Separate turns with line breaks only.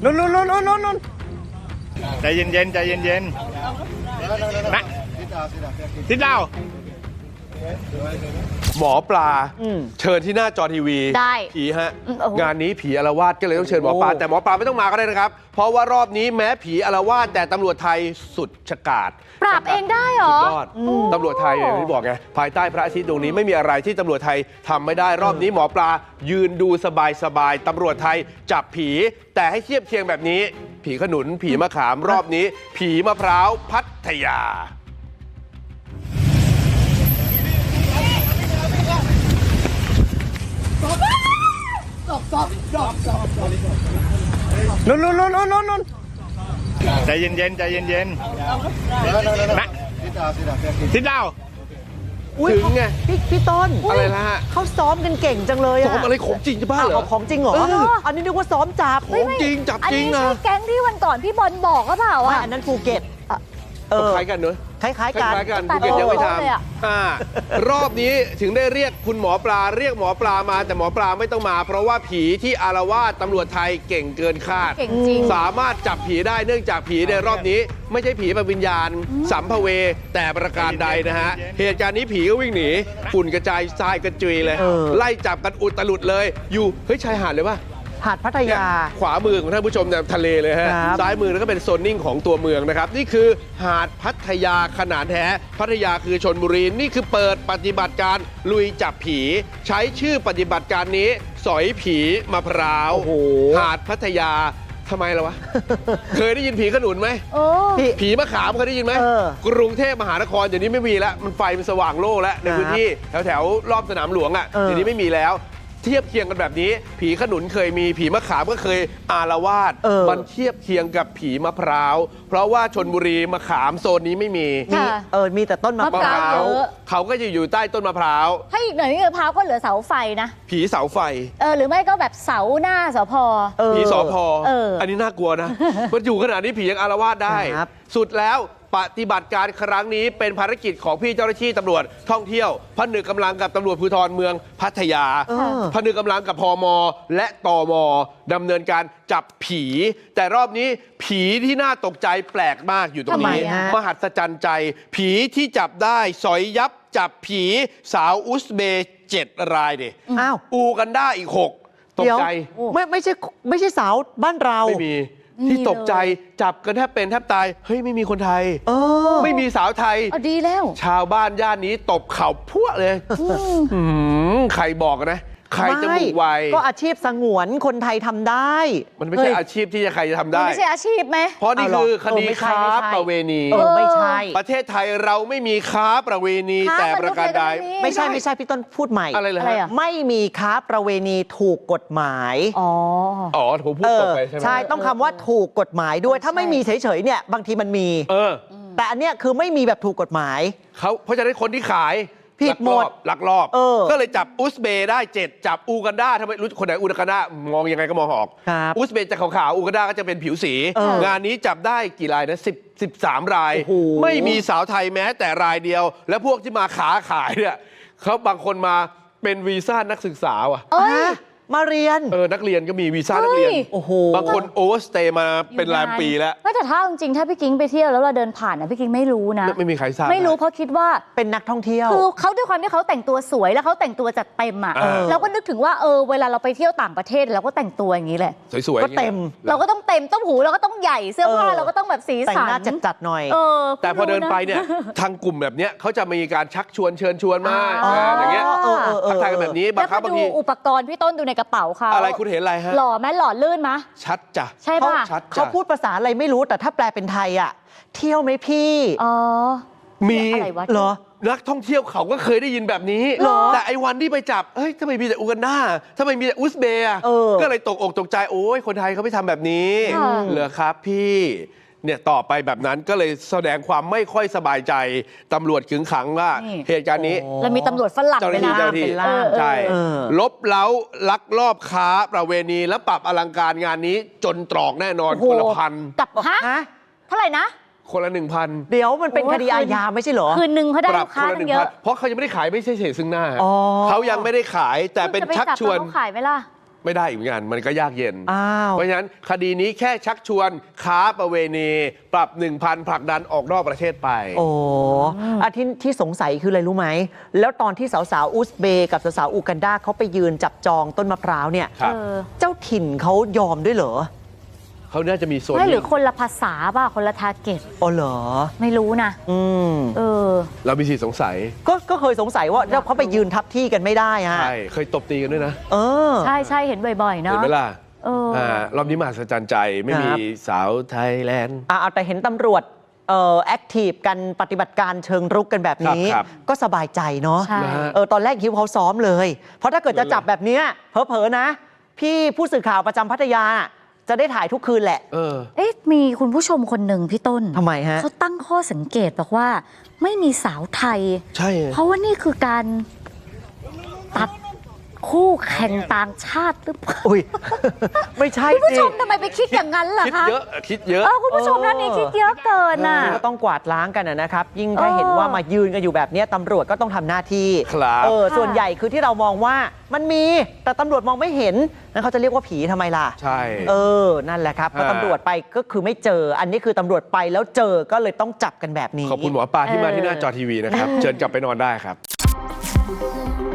นุ่นใจเย็นใจเย็นนะทิศดาว
หมอปลาเชิญที่หน้าจอทีวี
ได้
ผีฮะงานนี้ผีอาละวาดก็เลยต้องเชิญหมอปลาแต่หมอปลาไม่ต้องมาก็ได้นะครับเพราะว่ารอบนี้แม้ผีอาละวาดแต่ตำรวจไทยสุดฉกาจ
ปราบเองได้เหรอ
สุดยอดตำรวจไทยอย่างที่บอกไงภายใต้พระอาทิตย์ดวงนี้ไม่มีอะไรที่ตำรวจไทยทำไม่ได้รอบนี้หมอปลายืนดูสบายตำรวจไทยจับผีแต่ให้เทียบเคียงแบบนี้ผีขนุนผีมะขามรอบนี้ผีมะพร้าวพัทยา
นุ่นใจเย็นนะทิศดาว
ถึงไง
พี่ต้น
อะไรนะฮะ
เขาซ้อมกันเก่งจังเลยอะ
ซ้อมอะไรของจริงจะบ้าเหรอ
ของจริงเหรออันนี้นึกว่าซ้อมจับ
ของจริงจับจริงนะ
อันนี้ใช่แก๊งที่วันก่อนพี่บอลบอกก็เปล่าอ่ะ
อันนั้นภูเก็ต
คล้ายกันเนอะ
คล้ายกัน
ภูเก็ตยังไม่ทำรอบนี้ถึงได้เรียกคุณหมอปลาเรียกหมอปลามาแต่หมอปลาไม่ต้องมาเพราะว่าผีที่อาละวาดตำรวจไทยเก่งเกินคาด
เก่งจริง
สามารถจับผีได้เนื่องจากผีในรอบนี้ไม่ใช่ผีแบบวิญญาณสัมภเวแต่ประการใดนะฮะเหตุการณ์นี้ผีก็วิ่งหนีฝุ่นกระจายทรายกระจุยเลยไล่จับกันอุตลุดเลยอยู่เฮ้ยชายหาดเลยป่ะ
หาดพัทยา
ขวามือของท่านผู้ชมเนี่ยทะเลเลยฮะซ้ายมือแล้วก็เป็นโซนนิ่งของตัวเมืองนะครับนี่คือหาดพัทยาขนาดแท้พัทยาคือชลบุรีนี่คือเปิดปฏิบัติการลุยจับผีใช้ชื่อปฏิบัติการนี้สอยผีมะพร้าวหาดพัทยาทำไมล่ะวะ เคยได้ยินผีขนุนไหมผีมะขามเคยได้ยินไหมกรุงเทพมหานครเดี๋ยวนี้ไม่มีแล้วมันไฟมันสว่างโล่แล้วในพื้นที่แถวรอบสนามหลวงอ่ะเดี๋ยวนี้ไม่มีแล้วเทียบเคียงกันแบบนี้ผีขนุนเคยมีผีมะขามก็เคยอาละวาดมันเทียบเคียงกับผีมะพร้าวเพราะว่าชลบุรีมะขามโซนนี้ไม่มี
มีแต่ต้นมะพร้าว
เขาก็จะอยู่ใต้ต้นมะพร้าว
ให้อีกหน่อยนี่มะพร้าวก็เหลือเสาไฟนะ
ผีเสาไฟ
หรือไม่ก็แบบเสาหน้าสพ
ผีสพอันนี้น่ากลัวนะมันอยู่ขนาดนี้ผียังอาละวาดได้สุดแล้วปฏิบัติการครั้งนี้เป็นภารกิจของพี่เจ้าหน้าที่ตำรวจท่องเที่ยวผนึกกำลังกับตำรวจภูธรเมืองพัทยาผนึกกำลังกับพมและตมดำเนินการจับผีแต่รอบนี้ผีที่น่าตกใจแปลกมากอยู่ตรงนี้มหัศจรรย์ใจผีที่จับได้สอยยับจับผีสาวอุซเบย์7 รายดิอูกันด้าอีก6ตกใจ
ไม่ใช่สาวบ้านเรา
ไม่มีที่ตกใจจับกันแทบเป็นแทบตายเฮ้ยไม่มีคนไทยไม่มีสาวไทย
ดีแล้ว
ชาวบ้านย่านนี้ตบเข่าพวกเลยใครบอกนะใครจะบุกไว
ก็อาชีพสงวนคนไทยทำได้
มันไม่ใช่อาชีพที่ใครจะทำได้
ไม่ใช่อาชีพไหม
เพราะนี่คือคดีค้าประเวณี
ไม่ใช่
ประเทศไทยเราไม่มีค้าประเวณีแต่ประการใด
ไม่ใช่พี่ต้นพูดใหม่
อะไรเลย
ไม่มีค้าประเวณีถูกกฎหมาย
ผมพูดตกไปใช่ไหม
ใช่ต้องคำว่าถูกกฎหมายด้วยถ้าไม่มีเฉยๆเนี่ยบางทีมันมีแต่อันเนี้ยคือไม่มีแบบถูกกฎหมาย
เพราะฉะนั้นคนที่ขาย
ผิดหมด
ลักลอบก็เลยจับอุซเบย์ได้7จับอูกันดาทำไมรู้คนไหนอูกันดามองยังไงก็มองออกอุซเบย์จะขาวๆอูกันดาก็จะเป็นผิวสีงานนี้จับได้กี่รายนะ13 รายไม่มีสาวไทยแม้แต่รายเดียวและพวกที่มาขาขายเนี่ยเขาบางคนมาเป็นวีซ่านักศึกษาว่ะ
มาเรียน
นักเรียนก็มีวีซ่านักเรียนบางคนโอเวอร์สเตย์มาเป็นรายปีแล้ว
แต่ถ้าจริงๆถ้าพี่กิ๊งไปเที่ยวแล้วเราเดินผ่านนะพี่กิ๊งไม่รู้นะ
ไม่มีใครทราบ
ไม่รู้เพราะคิดว่า
เป็นนักท่องเที่ยว
คือเขาด้วยความที่เขาแต่งตัวสวยแล้วเขาแต่งตัวจัดเต็มอ่ะเราก็นึกถึงว่าเวลาเราไปเที่ยวต่างประเทศเราก็แต่งตัวอย่างนี้แหละ
สวยๆ
ก็เต็ม
เราก็ต้องเต็มต้มหูเราก็ต้องใหญ่เสื้อผ้าเราก็ต้องแบบสีสัน
แต่งหน้าจัดหน่อย
แต่พอเดินไปเนี่ยทางกลุ่มแบบเนี้ยเขาจะมีการชักชวนเชิญชวนมาอย่างเงี้ยทักทายกันแบบนี้บางครั้งบางที
อุปกรณ์พี่ต้นดูในกระเป๋าเขา
อะไรคุณเห็นอะไรฮะ
หล่อไหมหล่อลื่นไหม
ชัดจ้ะ
ใช่ป่ะ
เขาพูดภาษาอะไรไม่รู้แต่ถ้าแปลเป็นไทยอ่ะเที่ยวไหมพี่
มีเหรอนักท่องเที่ยวเขาก็เคยได้ยินแบบนี้แต่ไอ้วันที่ไปจับเฮ้ยทำไมมีแต่อูกันดาทำไมมีแต่อุซเบย์ก็เลยตกอกตกใจโอ้ยคนไทยเขาไม่ทำแบบนี้เหรอครับพี่เนี่ยต่อไปแบบนั้นก็เลยแสดงความไม่ค่อยสบายใจตำรวจขึงขังว่าเหตุการณ์นี้
แล้วมีตำรวจฝรั่ง
เลยนะใช่ลบเล้าลักลอบค้าประเวณีและปรับอลังการงานนี้จนตรอกแน่นอนคนละ1,000
กับเท่าไหร่นะ
คนละ 1,000
เดี๋ยวมันเป็นคดีอาญาไม่ใช่เหรอ
คืนนึงเขาได้ลูกค้าเยอะ
เพราะเขายังไม่ได้ขายไม่ใช่เฉยซึ่งหน้าเขายังไม่ได้ขายแต่เป็นชักชวน
ขายไหมล่ะ
ไม่ได้อีกเหมือนกันมันก็ยากเย็น
อ้าว
เพราะฉะนั้นคดีนี้แค่ชักชวนค้าประเวณีปรับ 1,000 ผลักดันออกนอกประเทศไป
โอ้ที่สงสัยคืออะไรรู้ไหม แล้วตอนที่สาวๆอุซเบย์กับสาวๆอูกันดาเขาไปยืนจับจองต้นมะพร้าวเนี่ย
ครับ
เจ้าถิ่นเขายอมด้วยเหรอ
เขาน่าจะมีโซน
ไม่หรือคนละภาษาป่ะคนละทาร์เก็ต
อ๋อเหรอ
ไม่รู้นะ
เรามีสิทธิสงสัย
ก็เคยสงสัยว่าแล้วเขาไปยืนทับที่กันไม่ได้ฮะ
ใช่ เคยตบตีกันด้วยนะ
เออ
ใช่ใช่เห็นบ่อยๆ
เห็
เนาะ
นไหมล่ะ รอบนี้มหัศจรรย์ใจไม่มี
ครับ
สาวไทยแลนด์
เอาแต่เห็นตำรวจแอคทีฟกันปฏิบัติการเชิงรุกกันแบบนี้
ครับ
ก็สบายใจเนาะ
ใช่
นะฮะ
ตอนแรกคิดว่าเขาซ้อมเลย เพราะถ้าเกิดจะจับแบบเนี้ยเผลอๆนะ พี่ผู้สื่อข่าวประจำพัทยาจะได้ถ่ายทุกคืนแหละ
มีคุณผู้ชมคนหนึ่งพี่ต้น
ทำไมฮะ
เขาตั้งข้อสังเกตบอกว่าไม่มีสาวไทย
ใช่
เพราะว่านี่คือการตัดคู่แข่งต่างชาติหรือเปล่า
อุ้ย ไม่ใช่
คุณผู้
สิ
ชมทำไมไปคิดอย่างนั้นล่ะ
คิด
คะ
เยอะคิดเยอะ
คุณผู้ชมท่านนี้คิดเยอะเกินน่ะ
ก็ต้องกวาดล้างกันนะครับ ยิ่งถ้าเห็นว่ามายืนกันอยู่แบบนี้ตำรวจก็ต้องทำหน้าที่
ครับ
ส่วนใหญ่คือที่เรามองว่ามันมีแต่ตำรวจมองไม่เห็นนั้นเขาจะเรียกว่าผีทำไมล่ะ
ใช่
นั่นแหละครับพอตำรวจไปก็คือไม่เจอ อันนี้คือตำรวจไปแล้วเจอก็เลยต้องจับกันแบบนี้
ขอบคุณหมอปลาที่มาที่หน้าจอทีวีนะครับ เชิญกลับไปนอนได้ครับ